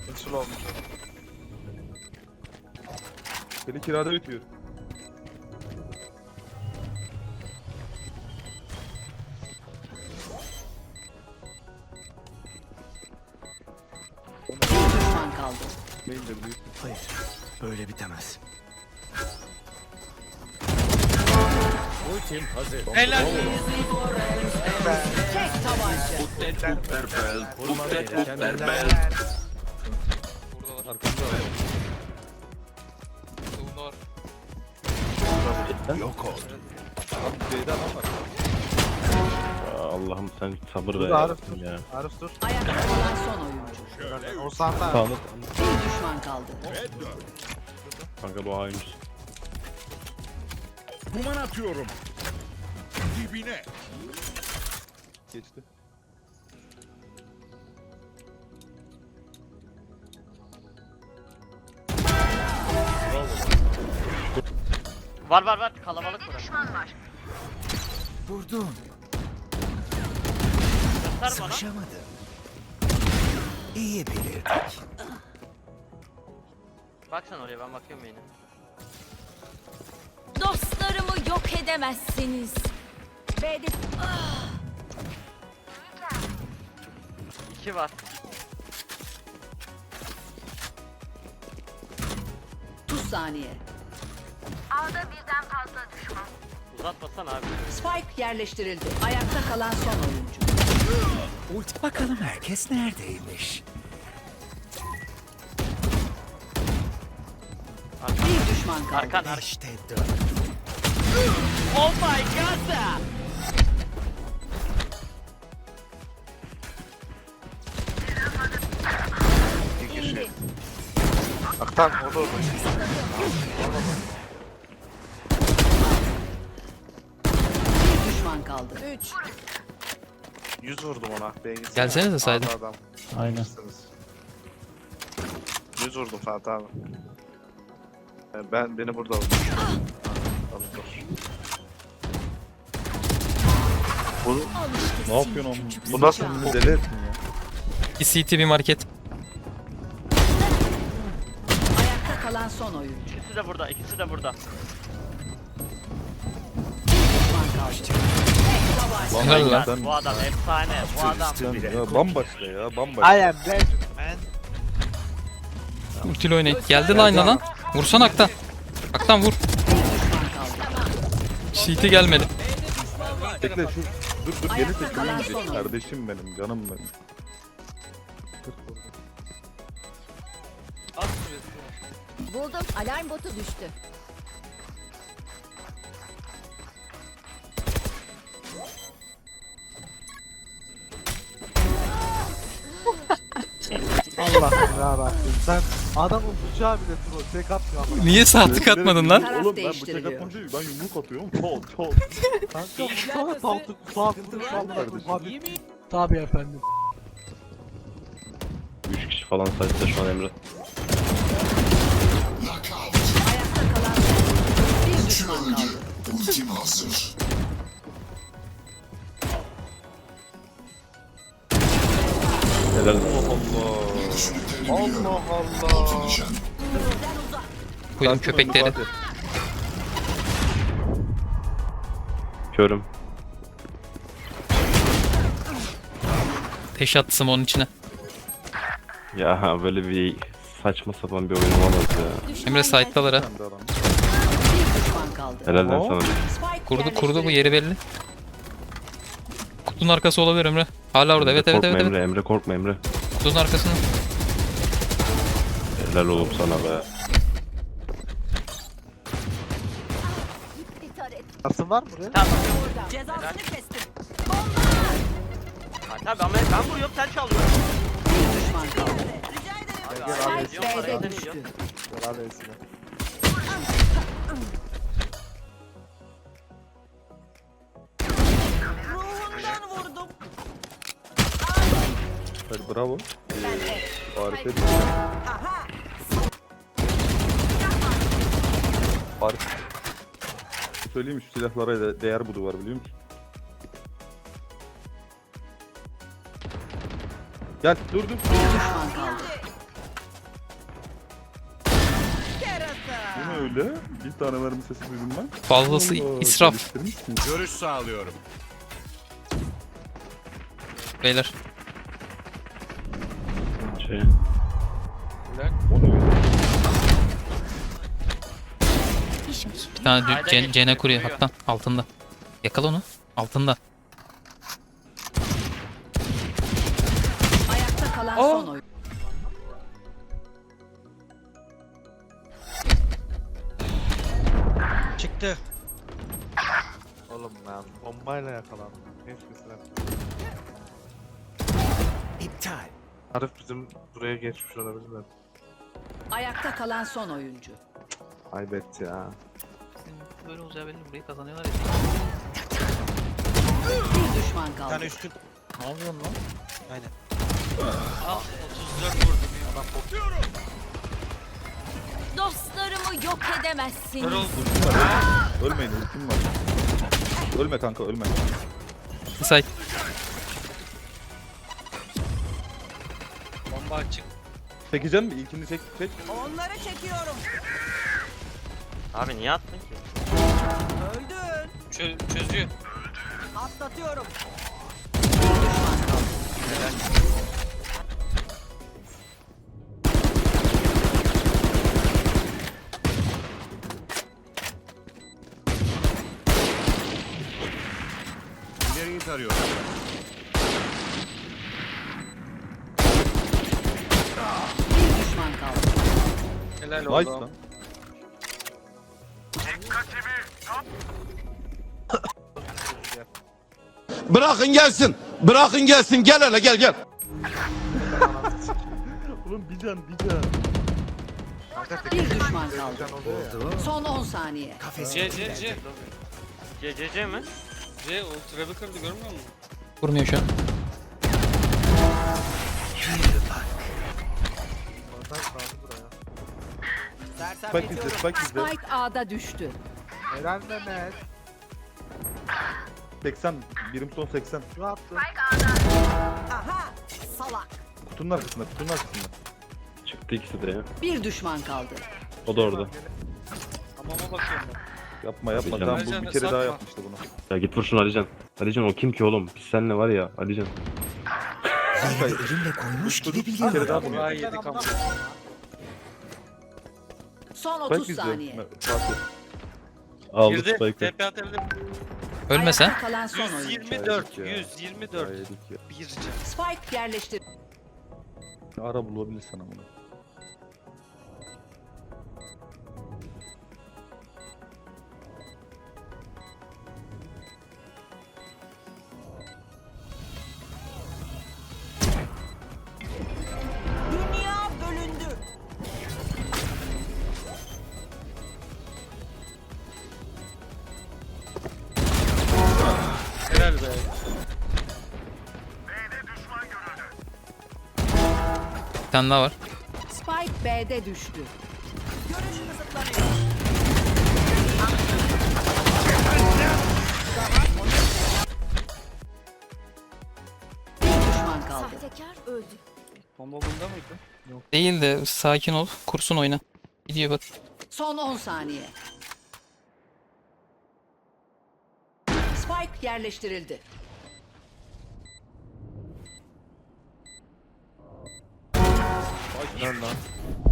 Nasıl olmuş? Seni kirada bitiyor. Bir düşman kaldı. Main de büyük. Hayır, böyle bitemez. Ultim hazır. Helal. Tek tabanca. Vurmam gereken birden Buradalar. Arkamda var. Savunda var. yok ol. Abi C'de adam var. Allah'ım sen sabır ver Dur Arif dur. ya. Arif dur. Ayakta kalan son oyuncu. O sanda. Sağında. Bir düşman kaldı. Kanka bu A'ymış. Duman atıyorum. Dibine. Geçti. Var kalabalık burası. Vurdum. Göster bana. Sıkışamadım. İyi bilirdik. Bak sen oraya, ben bakıyorum yine. Dostlarımı yok edemezsiniz. B'de 2 var. Tuz saniye. Uzatmasan abi. Spike yerleştirildi. Ayakta kalan son oyuncu. Bakalım herkes neredeymiş? Bir düşman kaldı. Arkan. İşte Oh my god! İki kişi. Aktan o da orada. Bir düşman kaldı. 100 vurdum ona. Beygin. Gelsenize saydım. Adam. Aynen. 100 vurdum Fatih abi. Beni burada vurdu. Tamam dur. Bu Ne yapıyorsun oğlum? Bu nasıl Kendini deli ettin ya. Bir CT bir market. Ayakta kalan son oyuncu. İkisi de burada, ikisi de burada. Düşman kaldı. Helal lan. Sen, Bu adam efsane, bu adam. sen ya bambaşka ya bambaşka. I am legend man. Ultili oynayın. Geldi line'a lan. Vursan Aktan. Aktan vur. Düşman kaldı. CT gelmedi. Bekle şu. Dur geri Ayakta kalan çekileyim son gideyim. oyuncu. Kardeşim benim canım benim. Az süresi. buldum. Alarm botu düştü. Allah'ım yarabbim. Sen adamın bıçağı bile troll. Tek atmıyor ama. Niye saatlik atmadın lan? Taraf Oğlum ben bıçak değiştiriliyor. atmam değil. Ben yumruk atıyorum. Çat. Kanka bu sana saat vuruş aldı. Kardeşim. Tabii efendim. 3 kişi falan sayıda şu an Emre. Ayakta kalan son oyuncu. Bir düşman kaldı. Helal. Allah Allah. Koydum köpekleri. Körüm. Teş attım onun içine. Ya böyle bir saçma sapan bir oyun olamaz ya. Emre site'dalar ha. Sen de adam. Bir düşman kaldı. Helal lan sana. Spike Kurdu bu yeri belli. Kutunun arkası olabilir Emre. Hala orada. Evet. Korkma Emre, Emre korkma Emre. Kutunun arkasında. Helal oğlum sana be. Asın var mı buraya? Tamam. Cezasını kestim. Tabii ama ben vuruyorum, sen çalıyorsun. Bir düşman kaldı. Abi, abi, Spike diyorum, B'de parayı düştü. demiyor. Helal etsin. Hadi bravo. Harika. Harika. Söyleyeyim şu silahlara değer bu duvar biliyor musun? Gel dur. Bir düşman kaldı. öyle? Bir tane mermi sesi duydum ben. Fazlası Allah, israf geliştirmişsin. Görüş sağlıyorum. beyler. Şey. O ne öyle? Bir tane Hayda, Cene kuruyor kuruyor. hatta altında. Yakala onu. Altında. Ayakta kalan son oyun. Çıktı. Oğlum ben bombayla yakalandım. Geçmesin. İptal. Arif bizim buraya geçmiş olabilir mi? Ayakta kalan son oyuncu. Aybet ya. Böyle olacağı belli, burayı kazanıyorlar ya. Bir düşman Bir kaldı. tane üstün. Ne yapıyorsun lan? Aynen. Ah 34 vurdum ya. Dostlarımı yok edemezsiniz. Ultim var ya. Ölmeyin ultim var. Ölme kanka ölme. Say. Bomba açık. Çekeceğim mi? İlkini çek. Onları çekiyorum. Abi niye attın ki? Öldün. Çözüyor. Atlatıyorum. Bir düşman kaldı. İleriyi tarıyorum. Bir düşman kaldı. Helal Nice lan. Bırakın gelsin. Bırakın gelsin. Gel hele gel gel. Oğlum bir can. Bir düşman kaldı. Can oluyor ya. Son 10 saniye. CCC mi? Vurmuyor şu an. Oradan kaldı buraya. Spike izle spike izle. Spike A'da düştü. Helal Mehmet. 80. Birim son 80. Ne yaptın? Aha! Salak. Kutunun arkasında. Çıktı ikisi de ya. Bir düşman kaldı. O da orada. Yapma. Hadi Tamam canım. bu bir kere daha yapmıştı bunu. Ya git vur şunu Alican. Alican o kim ki oğlum? Biz seninle var ya Alican. Kanka Elimle koymuş gibi bir kere daha bunu. Yedik ama. Son Spike 30 izle. saniye. Fatih. Aldı Spike'ı. Ölme sen. Ayakta kalan son oyuncu. 124. Ya. 124. Yedik ya. Spike yerleştir. Ara bulabilirsen ama. Dünya bölündü. Helal be. Bir tane daha var. Spike B'de düştü. Bir düşman kaldı. Sahtekar öldü. Bomba bunda mıydı? Değil de sakin ol. Kursun oyna. Gidiyor bak. Son 10 saniye. Spike yerleştirildi. Helal lan.